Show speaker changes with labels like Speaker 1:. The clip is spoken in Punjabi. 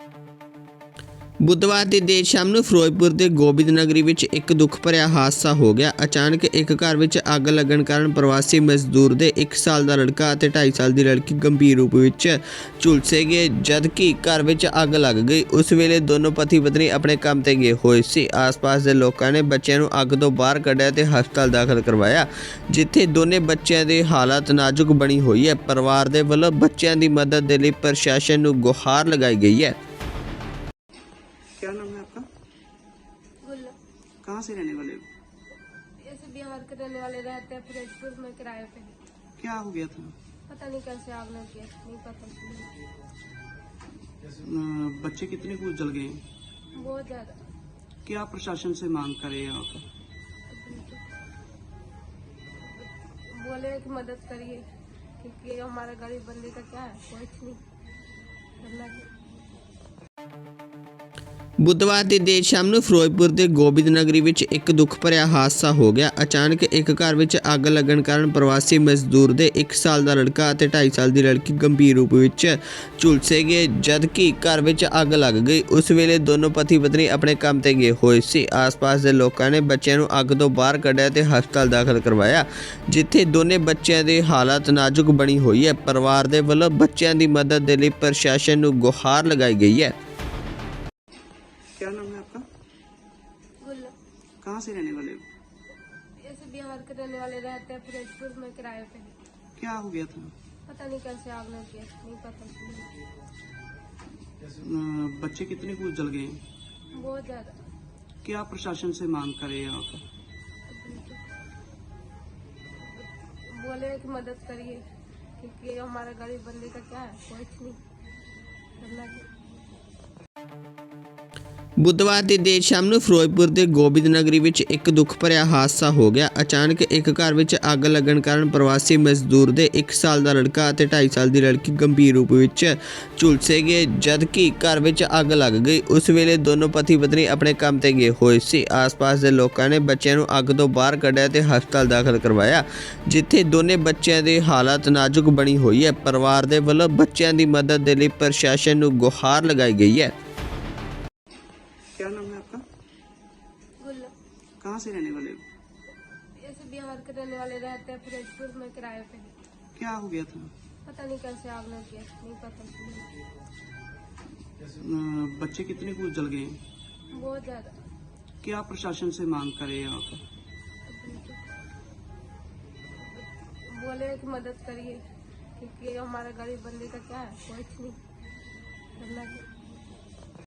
Speaker 1: बुधवार की देर शाम ਨੂੰ ਫਿਰੋਜ਼ਪੁਰ ਦੇ ਗੋਬਿੰਦ ਨਗਰੀ ਵਿੱਚ ਇੱਕ ਦੁੱਖ ਭਰਿਆ ਹਾਦਸਾ ਹੋ ਗਿਆ। ਅਚਾਨਕ ਇੱਕ ਘਰ ਵਿੱਚ ਅੱਗ ਲੱਗਣ ਕਾਰਨ ਪ੍ਰਵਾਸੀ ਮਜ਼ਦੂਰ ਦੇ 1 ਸਾਲ ਦਾ ਲੜਕਾ ਅਤੇ 2.5 ਸਾਲ ਦੀ ਲੜਕੀ ਗੰਭੀਰ ਰੂਪ ਵਿੱਚ ਝੁਲਸੇ ਗਏ, ਜਦਕਿ ਘਰ ਵਿੱਚ ਅੱਗ ਲੱਗ ਗਈ। ਉਸ ਵੇਲੇ ਦੋਨੋਂ ਪਤੀ ਪਤਨੀ ਆਪਣੇ ਕੰਮ ਤੇ ਗਏ ਹੋਏ ਸੀ। ਆਸ-ਪਾਸ ਦੇ ਲੋਕਾਂ ਨੇ ਬੱਚਿਆਂ ਨੂੰ ਅੱਗ ਤੋਂ ਬਾਹਰ ਕੱਢਿਆ ਤੇ ਹਸਪਤਾਲ ਦਾਖਲ ਕਰਵਾਇਆ, ਜਿੱਥੇ ਦੋਨੇ ਬੱਚਿਆਂ ਦੀ ਹਾਲਤ ਨਾਜ਼ੁਕ ਬਣੀ ਹੋਈ ਹੈ। ਪਰਿਵਾਰ ਦੇ ਵੱਲੋਂ ਬੱਚਿਆਂ ਦੀ ਮਦਦ ਦੇ ਲਈ ਪ੍ਰਸ਼ਾਸਨ ਨੂੰ ਗੁਹਾਰ ਲਗਾਈ ਗਈ ਹੈ।
Speaker 2: क्या नाम है आपका?
Speaker 3: गुल्ला।
Speaker 2: कहाँ से रहने वाले हो?
Speaker 3: ऐसे बिहार के रहने वाले रहते हैं फिरोजपुर में किराए पे।
Speaker 2: क्या हो गया था?
Speaker 3: पता नहीं कैसे आग लग गया, नहीं पता।
Speaker 2: बच्चे कितने कुछ जल गए हैं?
Speaker 3: बहुत ज्यादा।
Speaker 2: क्या प्रशासन से मांग करे आप?
Speaker 3: बोले कि मदद करिए, क्योंकि हमारा गरीब बंदे का क्या है, कुछ नहीं करना चाहिए।
Speaker 1: बुधवार की देर शाम ਨੂੰ ਫਿਰੋਜ਼ਪੁਰ ਦੇ ਗੋਬਿੰਦ ਨਗਰੀ ਵਿੱਚ ਇੱਕ ਦੁੱਖ ਭਰਿਆ ਹਾਦਸਾ ਹੋ ਗਿਆ। ਅਚਾਨਕ ਇੱਕ ਘਰ ਵਿੱਚ ਅੱਗ ਲੱਗਣ ਕਾਰਨ ਪ੍ਰਵਾਸੀ ਮਜ਼ਦੂਰ ਦੇ 1 ਸਾਲ ਦਾ ਲੜਕਾ ਅਤੇ 2.5 ਸਾਲ ਦੀ ਲੜਕੀ ਗੰਭੀਰ ਰੂਪ ਵਿੱਚ ਝੁਲਸੇ ਗਏ, ਜਦਕਿ ਘਰ ਵਿੱਚ ਅੱਗ ਲੱਗ ਗਈ। ਉਸ ਵੇਲੇ ਦੋਨੋਂ ਪਤੀ ਪਤਨੀ ਆਪਣੇ ਕੰਮ ਤੇ ਗਏ ਹੋਏ ਸੀ। ਆਸ-ਪਾਸ ਦੇ ਲੋਕਾਂ ਨੇ ਬੱਚਿਆਂ ਨੂੰ ਅੱਗ ਤੋਂ ਬਾਹਰ ਕੱਢਿਆ ਤੇ ਹਸਪਤਾਲ ਦਾਖਲ ਕਰਵਾਇਆ, ਜਿੱਥੇ ਦੋਨੇ ਬੱਚਿਆਂ ਦੀ ਹਾਲਤ ਨਾਜ਼ੁਕ ਬਣੀ ਹੋਈ ਹੈ। ਪਰਿਵਾਰ ਦੇ ਵੱਲੋਂ ਬੱਚਿਆਂ ਦੀ ਮਦਦ ਦੇ ਲਈ ਪ੍ਰਸ਼ਾਸਨ ਨੂੰ ਗੁਹਾਰ ਲਗਾਈ ਗਈ ਹੈ।
Speaker 2: क्या नाम है आपका?
Speaker 3: गुल्ला।
Speaker 2: कहाँ से रहने वाले हो?
Speaker 3: ऐसे बिहार के रहने वाले रहते हैं फिरोजपुर में किराए पे।
Speaker 2: क्या हो गया था?
Speaker 3: पता नहीं कैसे आग लग गया, नहीं पता।
Speaker 2: बच्चे कितने कुछ जल गए हैं?
Speaker 3: बहुत ज्यादा।
Speaker 2: क्या प्रशासन से मांग करे आप?
Speaker 3: बोले कि मदद करिए, क्योंकि हमारा गरीब बंदे का क्या है, कुछ नहीं करना चाहिए।
Speaker 1: बुधवार की देर शाम ਨੂੰ ਫਿਰੋਜ਼ਪੁਰ ਦੇ ਗੋਬਿੰਦ ਨਗਰੀ ਵਿੱਚ ਇੱਕ ਦੁੱਖ ਭਰਿਆ ਹਾਦਸਾ ਹੋ ਗਿਆ। ਅਚਾਨਕ ਇੱਕ ਘਰ ਵਿੱਚ ਅੱਗ ਲੱਗਣ ਕਾਰਨ ਪ੍ਰਵਾਸੀ ਮਜ਼ਦੂਰ ਦੇ 1 ਸਾਲ ਦਾ ਲੜਕਾ ਅਤੇ 2.5 ਸਾਲ ਦੀ ਲੜਕੀ ਗੰਭੀਰ ਰੂਪ ਵਿੱਚ ਝੁਲਸੇ ਗਏ, ਜਦਕਿ ਘਰ ਵਿੱਚ ਅੱਗ ਲੱਗ ਗਈ। ਉਸ ਵੇਲੇ ਦੋਨੋਂ ਪਤੀ ਪਤਨੀ ਆਪਣੇ ਕੰਮ ਤੇ ਗਏ ਹੋਏ ਸੀ। ਆਸ-ਪਾਸ ਦੇ ਲੋਕਾਂ ਨੇ ਬੱਚਿਆਂ ਨੂੰ ਅੱਗ ਤੋਂ ਬਾਹਰ ਕੱਢਿਆ ਤੇ ਹਸਪਤਾਲ ਦਾਖਲ ਕਰਵਾਇਆ, ਜਿੱਥੇ ਦੋਨੇ ਬੱਚਿਆਂ ਦੀ ਹਾਲਤ ਨਾਜ਼ੁਕ ਬਣੀ ਹੋਈ ਹੈ। ਪਰਿਵਾਰ ਦੇ ਵੱਲੋਂ ਬੱਚਿਆਂ ਦੀ ਮਦਦ ਦੇ ਲਈ ਪ੍ਰਸ਼ਾਸਨ ਨੂੰ ਗੁਹਾਰ ਲਗਾਈ ਗਈ ਹੈ।
Speaker 2: क्या नाम है आपका?
Speaker 3: गुल्ला।
Speaker 2: कहाँ से रहने वाले हो?
Speaker 3: ऐसे बिहार के रहने वाले रहते हैं फिरोजपुर में किराए पे।
Speaker 2: क्या हो गया था?
Speaker 3: पता नहीं कैसे आग लग गया, नहीं पता।
Speaker 2: बच्चे कितने कुछ जल गए हैं?
Speaker 3: बहुत ज्यादा।
Speaker 2: क्या प्रशासन से मांग करे आप?
Speaker 3: बोले कि मदद करिए, क्योंकि हमारा गरीब बंदे का क्या है, कुछ नहीं करना चाहिए।